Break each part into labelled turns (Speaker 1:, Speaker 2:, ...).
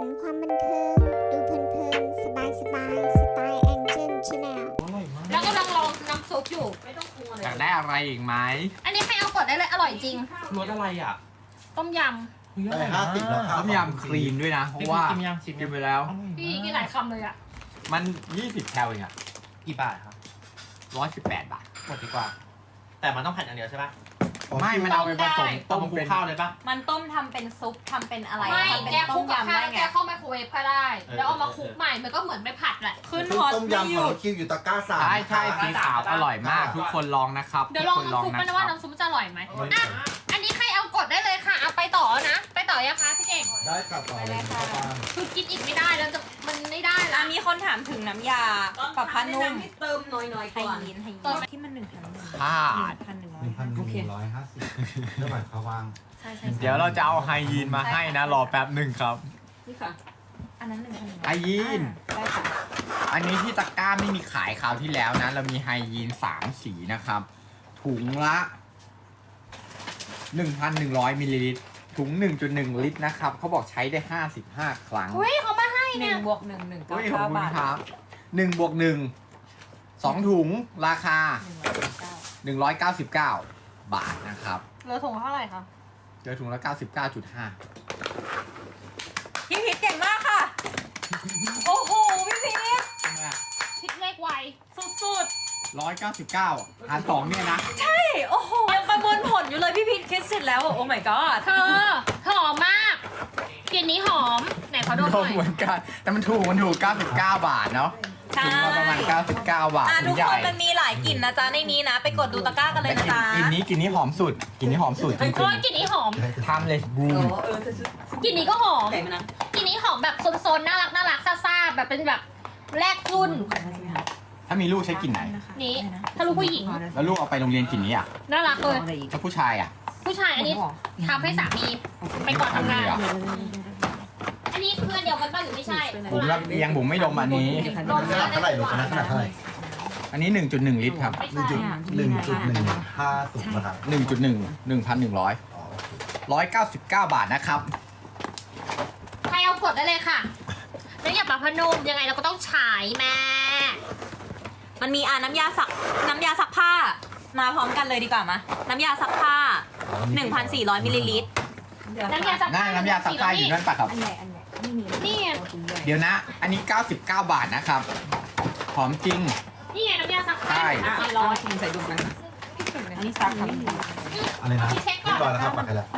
Speaker 1: รความบันเทิง ดูเพลินๆสบายสไตล์แองเจิลชาแนล
Speaker 2: แล้วกำลังลองน้ำซุปอยู่
Speaker 3: อยากได้อะไรอีกไหม
Speaker 2: อันนี้ใครเอากดได้เลยอร่อยจริง
Speaker 3: รสอะไรอ่ะ
Speaker 2: ต้มย
Speaker 4: ได้50แล้วครับ
Speaker 3: ต้มยำคลีนด้วยนะ เพราะว่ากินไปแล้ว
Speaker 2: ำพี่กินหลายคำเลยอะ
Speaker 3: มัน20แคลเองอ่ะ
Speaker 5: กี่บาทครับ
Speaker 3: 118 บาท
Speaker 5: หมดดีกว่า แต่มันต้องผัดอย่างเดียวใช่ปะ
Speaker 3: ไม่มันเอาไปผสม
Speaker 5: ต้
Speaker 3: ต้
Speaker 5: ม
Speaker 3: ม
Speaker 5: คลุ
Speaker 3: เป็
Speaker 5: ก
Speaker 3: น
Speaker 5: ข้าวเลยปะ
Speaker 6: มันต้มทำเป็นซุปทำเป็นอะไร
Speaker 2: ไม่
Speaker 6: ทำเป็น
Speaker 2: แกคลุ
Speaker 6: ต้
Speaker 2: ก
Speaker 6: ม
Speaker 2: กับ
Speaker 6: ยำ
Speaker 2: ข้าว
Speaker 6: ได้
Speaker 2: แล้ว
Speaker 6: ไง
Speaker 2: แกเข้าไมโครเวฟก็ได้ แล้วเอามาคลุกใหม่มันก็เหมือนไม่ผัดแหละ
Speaker 6: ขึ้น
Speaker 4: คือ
Speaker 6: ฮอต
Speaker 4: ต้ม
Speaker 6: ไม่
Speaker 4: ยำ
Speaker 6: ห
Speaker 4: ข
Speaker 6: ยุ
Speaker 4: อง
Speaker 6: ด
Speaker 4: เราคิวอยู่ตะกร้า3
Speaker 3: ใช่ใช่สีขาวอร่อยมาก ทุกคนลองนะครับ
Speaker 2: เดี๋ยวลอง
Speaker 3: ทุกคน
Speaker 2: น้ำซุปมันนะว่าน้ำซุปจะอร่อยไหมอ่ะอันนี้ใครเอากดได้เลยค่ะ เอาไปต่อนะ ไปต่อยังคะพี่เก่ง
Speaker 4: ได้กลับต่อเลยครับป้า
Speaker 2: คือกินอีกไม่ได้แล้วจะมันไม่ได้ละ
Speaker 6: มีคนถามถึงน้ำยาปรับผ้านุ่ม
Speaker 7: เติมหน่อยๆ
Speaker 6: ไฮ
Speaker 7: ก่อน
Speaker 6: ยีนที่มัน1,100
Speaker 3: พลาด
Speaker 6: 1,150
Speaker 4: 1,150เท่าไหร่ครับวาง
Speaker 6: ใช่
Speaker 3: เดี๋ยวเราจะเอาไฮยีนมาให้นะ รอแป๊บหนึ่งครับ
Speaker 7: นี่ค่ะ
Speaker 6: อันนั้น1,100
Speaker 3: ไฮยีน
Speaker 6: ได้ค่ะ
Speaker 3: อันนี้ที่ตะกร้าไม่มีขายคราวที่แล้วนะ เรามีไฮยีน3 สีนะครับ ถุงละ 1,100 มิลลิลิตร ถุง 1.1 ลิตรนะครับ เขาบอกใช้ได้ 55 ครั้ง
Speaker 2: อุ้ยเขามาให้เนี่ย
Speaker 6: 1 บวก 1 1
Speaker 3: อุ้ยขอบ
Speaker 6: 9
Speaker 3: คุณ
Speaker 6: บาท
Speaker 3: ครับ1บวก1 2 ถุง ราคา 199 บาทนะครับ
Speaker 2: เหลือถุงเท่าไหร่คะ
Speaker 3: เจอถุงละ 99.5
Speaker 6: พี่พีทเก่งมากค่ะ โอ้โห พี่พีท
Speaker 3: ใช่ไหม
Speaker 2: คิดเลขไวสุด
Speaker 3: 199หาร2เนี่ยนะ
Speaker 6: ใช่โอ้โหยังประมวลผลอยู่เลยพี่พีทคิดเสร็จแล้วอะโอ้ my god
Speaker 2: ๆ เธอหอมมากกลิ่นนี้หอม ไหนขอดูห
Speaker 3: ร
Speaker 2: น่
Speaker 3: ว
Speaker 2: อ
Speaker 3: ม
Speaker 2: ย
Speaker 3: เหมือนกัน แต่มันถูก 99 บาทเนาะ
Speaker 6: ใช่
Speaker 3: ถุงละประมาณ 99 บาท
Speaker 6: ทุ
Speaker 3: ถุ
Speaker 6: ก
Speaker 3: งให
Speaker 6: ค
Speaker 3: ญ่
Speaker 6: นมันมีหลายกลิ่นนะจ๊ะในนี้นะ ไปกดดูตะกร้ากันเลย
Speaker 3: แต่
Speaker 6: นะจ๊ะ
Speaker 3: กลิ่นนี้หอมสุดกลิ่นนี้หอมสุดจริง
Speaker 2: โอ้ยกลิ่นนี้หอม
Speaker 3: ๆ Timeless Bloom
Speaker 2: กลิ่นนี้ก็หอม
Speaker 7: ไก่มานะ
Speaker 2: กลิ่นนี้หอมแบบโซนๆน่ารักซ่าๆแบบเป็นแบบแรกรุ่น
Speaker 3: ถ้ามีลูกใช้กลิ่นไหน
Speaker 2: นี้ถ้าลูกผู้หญิง
Speaker 3: แล้วลูกเอาไปโรงเรียนกลิ่นนี้อ่ะ
Speaker 2: น่ารักเลย
Speaker 3: ถ้าผู้ชายอ่ะ
Speaker 2: ผู้ชายอันนี้ทำให้สามีไปก่อนทำงาน
Speaker 3: ทำเลยเหรอ
Speaker 2: อันนี้คืออันเดียวกันป่ะหรือไม่ใช่
Speaker 3: บุ๋มรับเลี้ยงบุ๋มไม่ดมอันนี้
Speaker 4: ขนาดเท่าไหร่ลูกขนาดเท่าไหร่
Speaker 3: อันนี้ 1.1 ลิตรครับ
Speaker 2: ไม่ใช่
Speaker 4: 1.150นะครับ
Speaker 3: 1.1 1,100
Speaker 4: อ๋อโอเค
Speaker 3: 199 บาทนะครับ
Speaker 2: ใครเอากดได้เลยค่ะแล้วอย่าปะพนุ่มยังไงเราก็ต้องฉายแม่
Speaker 6: มันมีน้ำยาซักผ้า มาพร้อมกันเลยดีกว่ามาน้ำยาซักผ้า 1,400 มิลลิลิตร
Speaker 2: น้ำยาซักผ้า
Speaker 3: น้ำยาซักผ้าอยู่นั่นปะครับ
Speaker 2: นี่ไง
Speaker 3: เดี๋ยวนะ อันนี้ 99 บาทนะครับ หอมจริง
Speaker 2: นี่ไงน้ำยาซักผ้า
Speaker 3: ใช่
Speaker 2: 400
Speaker 7: ชิมใส่ดุมกันนะ
Speaker 6: อันนี้ซักค่ะ
Speaker 4: อะไรนะ
Speaker 2: เช็คก่
Speaker 4: เรี
Speaker 2: อย น
Speaker 4: บร้อยแล้วครับปักให้แล้ว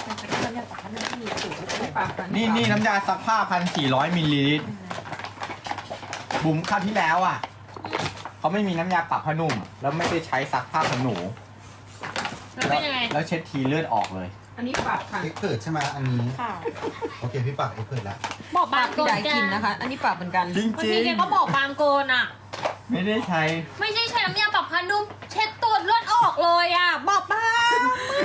Speaker 3: นี่น้ำยาซักผ้า 1,400 มิลลิลิตร บุ๋มคราวที่แล้วอ่ะ เขาไม่มีน้ำยาปรับผ้านุ่ม แล้วไม่ได้ใช้ซักผ้าขนหนู
Speaker 2: แล้วเป็นยังไง
Speaker 3: แล้วเช็ดทีเลือดออกเลย
Speaker 7: อันนี้ปรับค่ะ
Speaker 4: เอ็กเพิร์ดใช่ไหมอันนี้
Speaker 6: ค่ะ
Speaker 4: โอเคพี่ปักเอ็กเพิร์ดแล้ว
Speaker 2: บอกบางโก
Speaker 7: พี่
Speaker 2: น
Speaker 7: ได้
Speaker 2: แก
Speaker 7: กินนะคะ อันนี้ปรับเหมือนกัน
Speaker 3: จริง
Speaker 2: บาง
Speaker 3: จริ
Speaker 2: ที
Speaker 3: ง
Speaker 2: แกก็บอกบางโกนอ่ะ
Speaker 3: ไม่ได้ใช้
Speaker 2: ไม่ใช่ใช้น้ำยาปรับผ้านุ่มเช็ดตัวเลือดออกเลยอ่ะ บอกบาง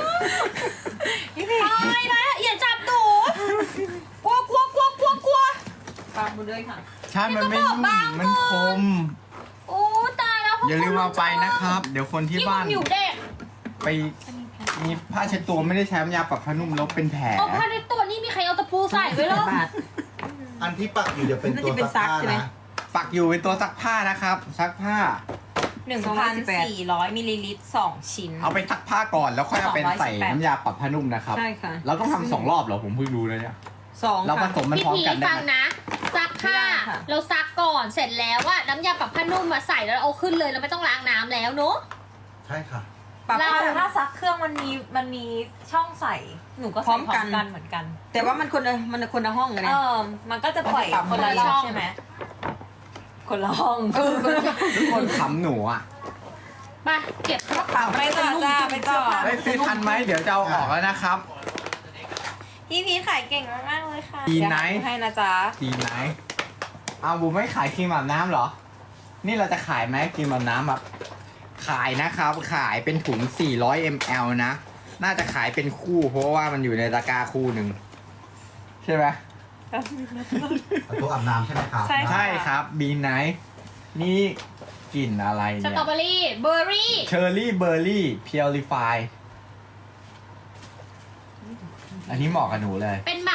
Speaker 2: ตายแล้วอย่าจับหนูกลัว
Speaker 7: ปรับหมดเลยค่ะ
Speaker 3: ใช่ มันไม่
Speaker 2: นี่ก็บอก
Speaker 3: นุ่ม
Speaker 2: บาง
Speaker 3: มันคม
Speaker 2: โอ้ตายแล้ว
Speaker 3: อย่าลืมเอาไปนะครับ เดี๋ยวคนที่
Speaker 2: ที่
Speaker 3: บ้าน
Speaker 2: ผิวเด็ก
Speaker 3: ไปมีผ้าเช็ดตัวไม่ได้ใช้น้ำยาปรับผ้านุ่มแล้วเป็นแผล
Speaker 2: เอาผ้าในตัวนี่มีใครเอาตะปูใส่ไว้หรอ
Speaker 7: บาท
Speaker 4: อันที่ปักอยู่เดี๋ยวเป็นตัว
Speaker 7: น่าจะเป็น
Speaker 4: ซักผ้า
Speaker 7: ซักใช่ไหม
Speaker 4: นะ
Speaker 3: ปักอยู่เป็นตัวซักผ้านะครับ ซักผ้า
Speaker 6: 1,400 มิลลิลิตร 2 ชิ้น
Speaker 3: เอาไปซักผ้าก่อนแล้วค่อยเอาไปใส่
Speaker 6: 218
Speaker 3: น้ำยาปรับผ้านุ่มนะครับ
Speaker 7: ใช่ค่ะ
Speaker 3: เราต้องทำ2 รอบเหรอผมเพิ่งรู้เลยเนี่ย
Speaker 7: 2
Speaker 3: เราผ
Speaker 7: ค่ะ
Speaker 3: สมมัน
Speaker 2: พี่
Speaker 3: พร้อม
Speaker 2: พี
Speaker 3: กันได้
Speaker 2: ฟัง
Speaker 3: ไหม
Speaker 2: นะซักผ้า
Speaker 7: ไม่ได้ค่ะ
Speaker 2: เราซักก่อนเสร็จแล้วว่าน้ำยาปรับผ้านุ่มมาใส่แล้วเอาขึ้นเลยเราไม่ต้องล้างน้ำแล้วเนอะ
Speaker 4: ใช่ค่ะ
Speaker 7: ปรับ
Speaker 2: เรา
Speaker 6: แต่ถ้าซักเครื่องมันมีช่องใส่ หนูก็ใส่พร้อมกันเหมือนกัน
Speaker 7: แต่ว่ามันคนละห้องกัน
Speaker 6: เอ
Speaker 7: เนี่ย
Speaker 6: มันก็จะปล่อยคนละช่องใช่ไหมคนละห้อง
Speaker 3: ทุกคนขำหนูอ่ะ
Speaker 2: มาเก็บกระเป๋า
Speaker 6: ไปต่อจ้าไปต่อ
Speaker 3: ได้ซื้อทันไหมเดี๋ยวจะเอาออกแล้วนะครับ
Speaker 6: พี่พีทขายเก่งมากๆเลยค่ะ
Speaker 3: ดีไหน
Speaker 6: เดี๋ยวให้นะจ๊ะ
Speaker 3: ดีไหมเอาบูไม่ขายครีมอาบน้ำเหรอ นี่เราจะขายไหมครีมอาบน้ำแบบขายนะครับ ขายเป็นถุง 400 ml นะ น่าจะขายเป็นคู่ เพราะว่ามันอยู่ในตะกร้าคู่หนึ่งใช่ไหม
Speaker 4: ตัวอาบน้ำใช่ไหมครับ
Speaker 6: ใช่
Speaker 3: ใช่ครับบีไนท์นี่กลิ่นอะไร
Speaker 2: ส
Speaker 3: เนี่ย
Speaker 2: ตรอเบอรี่เบอร์รี่
Speaker 3: เชอร์รี่เบอร์รี่พิวริฟายอันนี้เหมาะกับหนูเลย
Speaker 2: เป็นแบบ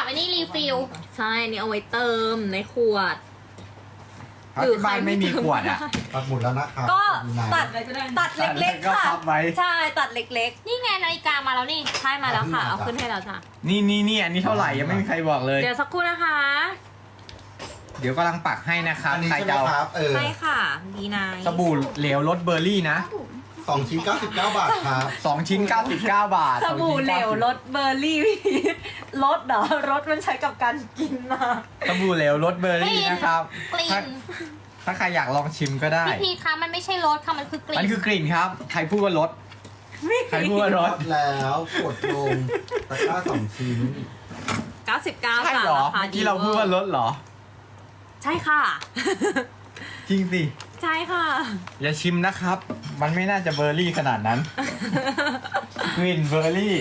Speaker 2: อันนี้รีฟิล
Speaker 6: ใช่อันนี้เอาไว้เติมในขวด
Speaker 3: เพราะที่บ้านไม่มีขวดอ่ะ
Speaker 4: ปักหมุดแล้วนะครับ
Speaker 6: ก็
Speaker 4: มีนา
Speaker 6: ตัดตัดเล็กๆค่ะ
Speaker 3: ก็พับไว้
Speaker 6: ใช่ตัดเล็ก
Speaker 2: นี่ไงนาฬิกามาแล้วนี่
Speaker 6: ๆใช่มาแล้วค่ะ เอาขึ้นให้แล้วจ้ะ
Speaker 3: นี่อันนี้เท่าไหร่ยังไม่มีใครบอกเลย
Speaker 6: เดี๋ยวสักครู่นะคะ
Speaker 3: เดี๋ยวกำลังปักให้นะครับ
Speaker 4: อันนี้
Speaker 3: ใคร
Speaker 4: ใช่ไหม
Speaker 3: จะเอา
Speaker 4: ครับ
Speaker 6: ใช่ค่ะดีนาย
Speaker 3: สบู่เหลวรสเบอร์รี่นะ
Speaker 4: 2 ชิ้น 99 บาทครับ
Speaker 3: 2 ชิ้น 99 บาท
Speaker 6: สบู่เหลวรสเบอร์รี่ รสเหรอรสมันใช้กับการกินนะ
Speaker 3: สบู่เหลวรสเบอร์รี่นะครับ
Speaker 2: กลิ่
Speaker 3: ถ้าน ใครอยากลองชิมก็ได้
Speaker 2: พี่พีคะมันไม่ใช่รสค่ะมันคือกลิ่น
Speaker 3: มันคือกลิ่นครับ ใครพูดว่ารสใครพูดว่ารส
Speaker 4: แล้วกดลงตะกร้า 2 ชิ้น
Speaker 6: 99
Speaker 3: ใช่
Speaker 6: ค่ะ
Speaker 3: เหรอ
Speaker 6: ราคา
Speaker 3: เมื่อ
Speaker 6: ดี
Speaker 3: กี้เราพูดว่ารสเหรอ
Speaker 6: ใช่ค่ะ
Speaker 3: จริงสิ
Speaker 6: ใช่ค่ะ
Speaker 3: อย่าชิมนะครับ มันไม่น่าจะเบอร์รี่ขนาดนั้น กลิ่นเบอร์รี่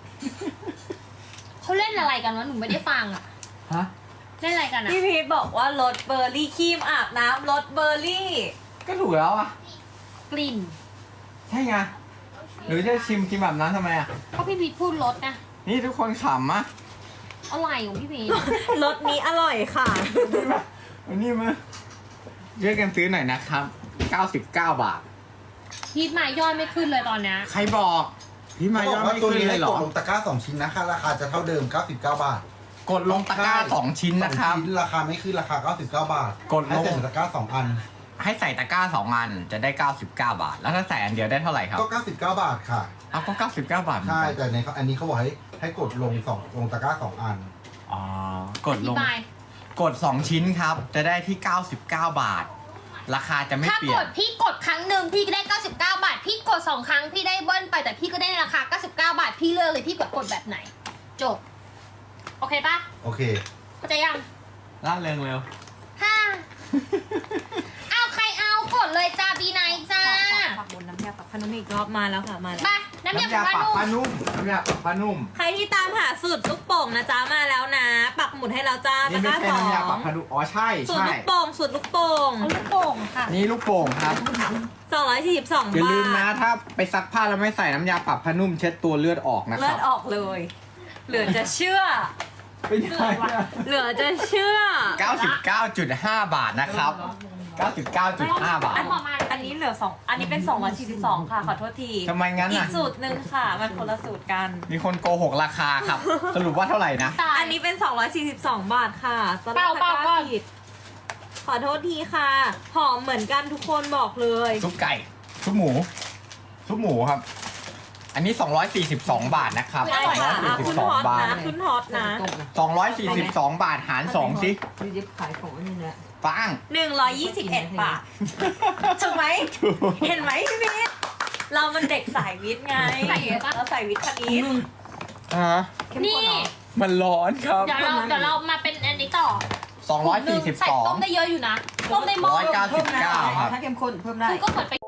Speaker 2: เขาเล่นอะไรกันวะหนูไม่ได้ฟังอะ
Speaker 3: ฮะ
Speaker 2: เล่นอะไรกันอะ
Speaker 6: พี่พีทบอกว่ารสเบอร์รี่ครีมอาบน้ำรสเบอร์รี่
Speaker 3: ก็ถูกแล้วอ่ะ
Speaker 2: กลิ่น
Speaker 3: ใช่ไง หรือจะชิมกินแบบนั้นทำไมอ่ะ
Speaker 2: เพราะพี่พีทพูดรสนะ
Speaker 3: นี่ทุกคนขำอ่ะ
Speaker 2: อะไรของพี่พีท
Speaker 6: รสนี้อร่อยค่ะ
Speaker 3: อันนี้มาช่วยกันซื้อหน่อยนะครับ 99 บาท
Speaker 2: พีทมายอดไม่ขึ้นเลยตอนเนี้ย
Speaker 3: ใครบอก พี่มา
Speaker 4: เขา
Speaker 3: ย
Speaker 4: บ
Speaker 3: อ
Speaker 4: อ
Speaker 3: ด
Speaker 4: กว่า
Speaker 3: ไม่
Speaker 4: ตัว
Speaker 3: ขึ้น
Speaker 4: นี้
Speaker 3: เล
Speaker 4: ให้
Speaker 3: ยเหร
Speaker 4: ก
Speaker 3: อ
Speaker 4: ดลงตะกร้า 2 ชิ้นนะคะ ราคาจะเท่าเดิม 99 บาท
Speaker 3: กดลงตะกร้า 2 ชิ้นนะครับ
Speaker 4: สองชิ้นราคาไม่ขึ้นราคา 99 บาท
Speaker 3: กดลง
Speaker 4: ให้ใส่ตะกร้า 2 อัน
Speaker 3: ให้ใส่ตะกร้า 2 อันจะได้ 99 บาท แล้วถ้าใส่อันเดียวได้เท่าไหร่ครับ
Speaker 4: ก็ 99 บาทค่ะ
Speaker 3: เอาก็ 99 บาทเหมือน
Speaker 4: ใช่
Speaker 3: กัน
Speaker 4: แต่ในอันนี้เขาบอกให้กดลงลงตะกร้า 2 อัน
Speaker 3: อ๋อ กด
Speaker 2: อธิ
Speaker 3: ลง
Speaker 2: บาย
Speaker 3: กด 2 ชิ้นครับ จะได้ที่ 99 บาท ราคาจะไม่
Speaker 2: ถ้า
Speaker 3: เปลี่
Speaker 2: ก
Speaker 3: ย
Speaker 2: ด
Speaker 3: น
Speaker 2: พี่กดครั้งหนึ่งพี่ก็ได้ 99 บาท พี่กด 2 ครั้งพี่ได้เบิ้ลไปแต่พี่ก็ได้ในราคา 99 บาท พี่เลือกเลยพี่กดแบบไหน จบ โอเคปะ
Speaker 4: โอเค
Speaker 2: เข้าใจยัง
Speaker 3: ล่าเริงเร็ว
Speaker 2: ฮ่าเอาใครเอากดเลยจ้าบีไนจ้า
Speaker 6: ปักบนน้ำยาปักพนุ่มอีกรอบมาแล้วค่ะมาแล้ว
Speaker 2: ไปน้ำยา
Speaker 3: น้ำยา
Speaker 2: ป
Speaker 3: ปั
Speaker 2: ลาก
Speaker 3: ผ้า
Speaker 2: นุ่ม
Speaker 3: นุ่มน้ำยาปักผ้านุ่ม
Speaker 6: ใครที่ตามหาสูตรลูกโป่งนะจ๊ะมาแล้วนะ ปักหมุดให้แล้วจ้า
Speaker 3: นี่
Speaker 6: ตะ
Speaker 3: ไม่
Speaker 6: กร้า
Speaker 3: ใช่
Speaker 6: สอ
Speaker 3: น้ำยาง ปักผ้านุ่มอ๋อใช่
Speaker 6: สูตร
Speaker 3: ใช่
Speaker 6: ลูกโป่งสูตรลูกโป่ง
Speaker 2: เอาลูกโป่งค่ะ
Speaker 3: นี่ลูกโป่งครับ
Speaker 6: 242
Speaker 3: อย่า
Speaker 6: บา
Speaker 3: ลืมนะ
Speaker 6: ท
Speaker 3: ถ้าไปซักผ้าแล้วไม่ใส่น้ำยาปรับผ้านุ่มเช็ดตัวเลือดออกนะค
Speaker 6: เลือ
Speaker 3: รั
Speaker 6: ด
Speaker 3: บ
Speaker 6: ออกเลย เหลือจะเชื่อ
Speaker 3: ไม่ได้
Speaker 6: เหลือจะเชื่อ
Speaker 3: 99.5 บาทนะครับ 99.5 บาท
Speaker 2: อันต่อมา
Speaker 6: อันนี้เหลือ2อันนี้เป็น242ค่ะขอโทษที
Speaker 3: ทำไมงั้น
Speaker 6: อี
Speaker 3: น่ะ
Speaker 6: กสูตรหนึ่งค่ะ มันคนละสูตรกัน
Speaker 3: มีคนโกหกราคาครับ สรุปว่าเท่าไหร่นะ
Speaker 2: ตาย
Speaker 6: อันนี้เป็น242 บาทค่ะตอนแรก
Speaker 2: เปล่า
Speaker 6: ตะกร้าผิดขอโทษทีค่ะ หอมเหมือนกันทุกคนบอกเลย
Speaker 3: ซุปไก่ ซุปหมู ซุปหมูครับ อันนี้ 242 บาทนะครับ
Speaker 6: ใช่ค่ะคุณฮอต
Speaker 3: 242 บาท
Speaker 6: นะคุณฮอตนะ
Speaker 3: 242 บาทหาร 2 สิ
Speaker 7: พี่ยิบขายของอันนี้แหละ
Speaker 3: ฟัง
Speaker 6: 121 บาท ถูกไหม เห็นไหมพี่พีทเรามันเด็กสายวิทย์ไง
Speaker 2: ใส่เยอะปะ
Speaker 6: เราสายวิทย์คณิต
Speaker 2: นี่
Speaker 3: มันร้อนครับ
Speaker 2: เดี๋ยวเรามาเป็นอันนี้ต่อใส่ต้มได้
Speaker 3: 242
Speaker 2: เยอะอยู่นะ ต้มได้หม้อ
Speaker 3: 199 ครับ
Speaker 7: ถ้าเข้มข้นเพิ่มได้
Speaker 2: คือก็เหมือนไป